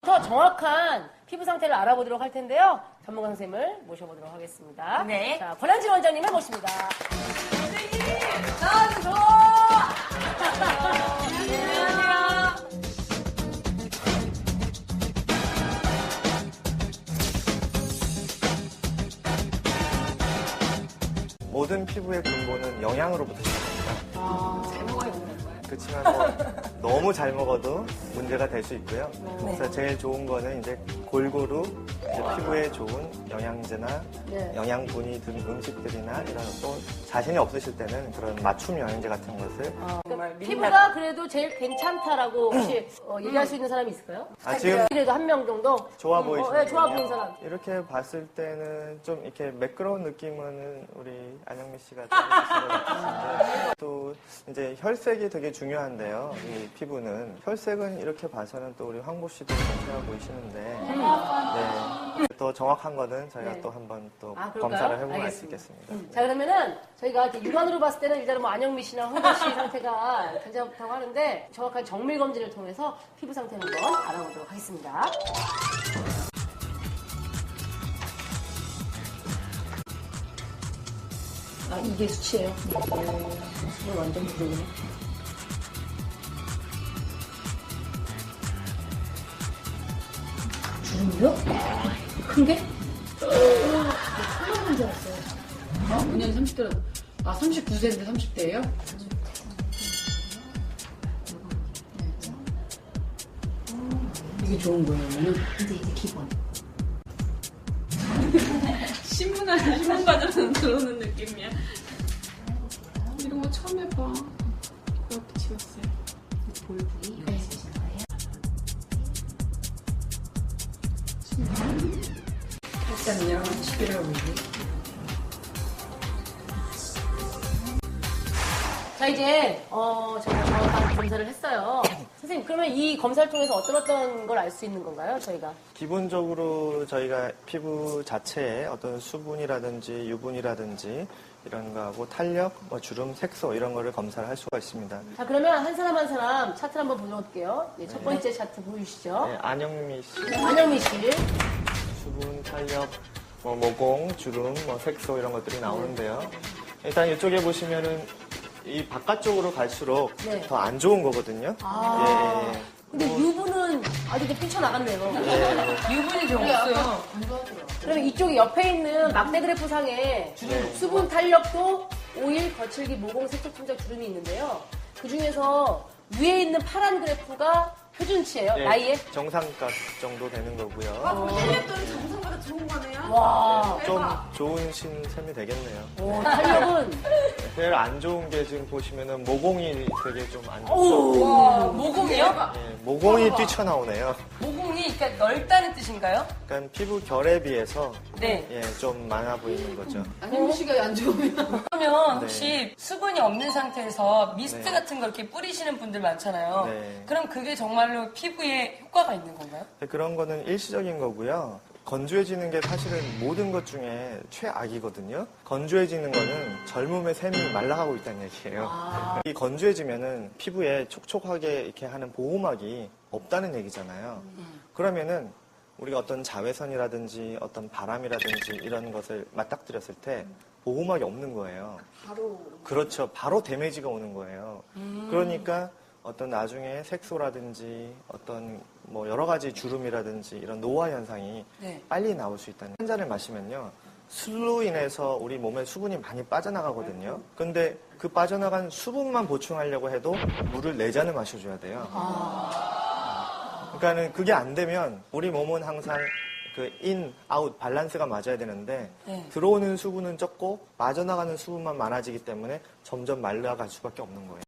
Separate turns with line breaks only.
더 정확한 피부 상태를 알아보도록 할 텐데요. 전문가 선생님을 모셔보도록 하겠습니다.
네.
자, 권한진 원장님을 모십니다.
선생님, 나와주세요. 안녕하세요.
모든 피부의 근본은 영양으로부터 시작합니다.
잘 먹어야 되는 거예요?
그렇지만 뭐 너무 잘 먹어도 문제가 될 수 있고요. 그래서 제일 좋은 거는 이제 골고루 이제 피부에 좋은 영양제나
네.
영양분이 든 음식들이나 이런 또 자신이 없으실 때는 그런 맞춤 영양제 같은 것을
정말
피부가 그래도 제일 괜찮다라고 혹시 얘기할 수 있는 사람이 있을까요?
지금
그래도 한 명 정도?
좋아
네,
보이시는
좋아 보이는 사람.
이렇게 봤을 때는 좀 이렇게 매끄러운 느낌은 우리 안영미 씨가 좀 있으신 것 같으신데 또 이제 혈색이 되게 중요한데요. 이 피부는 혈색은 이렇게 봐서는 또 우리 황보 씨도 괜찮아 보이시는데 네. 또 정확한 거는 저희가
네.
또 한번 또
아, 그럴까요?
검사를 해보면 알 수
알겠습니다.
있겠습니다.
자, 그러면은 저희가 이렇게 육안으로 봤을 때는 일단은 뭐 안영미 씨나 황보 씨 상태가 괜찮다고 하는데 정확한 정밀 검진을 통해서 피부 상태를 한번 알아보도록 하겠습니다. 아, 이게 수치예요? 수치 완전 부족이네. 주름이요? 큰 게? 큰건 줄 알았어요.
아, 5년 30대, 39세인데 30대예요? 이게 좋은 거예요, 그러면?
이제 기본.
신문 과정은 들어오는 느낌이야. 이런 거 처음 해봐. 이거 붙이었어요.
볼 부위 이거 있으신 거예요?
살짝요, 11월 5일.
자, 이제, 저희가 정확한 검사를 했어요. 선생님, 그러면 이 검사를 통해서 어떤 걸 알 수 있는 건가요, 저희가?
기본적으로 저희가 피부 자체에 어떤 수분이라든지 유분이라든지 이런 거하고 탄력, 뭐 주름, 색소 이런 거를 검사를 할 수가 있습니다.
자, 그러면 한 사람 한 사람 차트를 한번 보여볼게요. 네, 첫 번째 차트 보이시죠?
네, 안영미 씨.
안영미 씨.
수분, 탄력, 뭐 모공, 주름, 뭐 색소 이런 것들이 나오는데요. 일단 이쪽에 보시면은 이 바깥쪽으로 갈수록
네.
더 안 좋은 거거든요.
아.
예, 예.
근데 유분은 아주 이렇게 뛰쳐나갔네요.
유분이 좀 없어요.
그러면 이쪽에 옆에 있는 막대 그래프 상에 수분 탄력도 오일, 거칠기, 모공, 색소, 침착, 주름이 있는데요. 그 중에서 위에 있는 파란 그래프가 표준치예요.
예,
나이에.
정상값 정도 되는 거고요.
그럼 1년도는 정상보다 좋은 거네요?
와.
좀 좋은 신셈이 되겠네요.
오, 탄력은.
제일 안 좋은 게 지금 보시면은 모공이 되게 좀 안 좋죠.
오.
와,
모공이요?
예, 모공이 뛰쳐나오네요.
모공이 그러니까 넓다는 뜻인가요?
그러니까 피부 결에 비해서
네.
예, 좀 많아 보이는 거죠.
안현미 씨가 안 좋으면.
그러면
네.
혹시 수분이 없는 상태에서 미스트
네.
같은 거 이렇게 뿌리시는 분들 많잖아요.
네.
그럼 그게 정말로 피부에 효과가 있는 건가요?
그런 거는 일시적인 거고요. 건조해지는 게 사실은 모든 것 중에 최악이거든요. 건조해지는 거는 젊음의 샘이 말라가고 있다는 얘기예요. 이 건조해지면은 피부에 촉촉하게 이렇게 하는 보호막이 없다는 얘기잖아요. 그러면은 우리가 어떤 자외선이라든지 어떤 바람이라든지 이런 것을 맞닥뜨렸을 때 보호막이 없는 거예요. 그렇죠. 바로 데미지가 오는 거예요. 그러니까 어떤 나중에 색소라든지 어떤 뭐 여러 가지 주름이라든지 이런 노화 현상이
네.
빨리 나올 수 있다는. 한 잔을 마시면요. 술로 인해서 우리 몸에 수분이 많이 빠져나가거든요. 근데 그 빠져나간 수분만 보충하려고 해도 물을 4잔을 마셔줘야 돼요. 그러니까는 그게 안 되면 우리 몸은 항상 그 인, 아웃 밸런스가 맞아야 되는데
네.
들어오는 수분은 적고 빠져나가는 수분만 많아지기 때문에 점점 말라갈 수밖에 없는 거예요.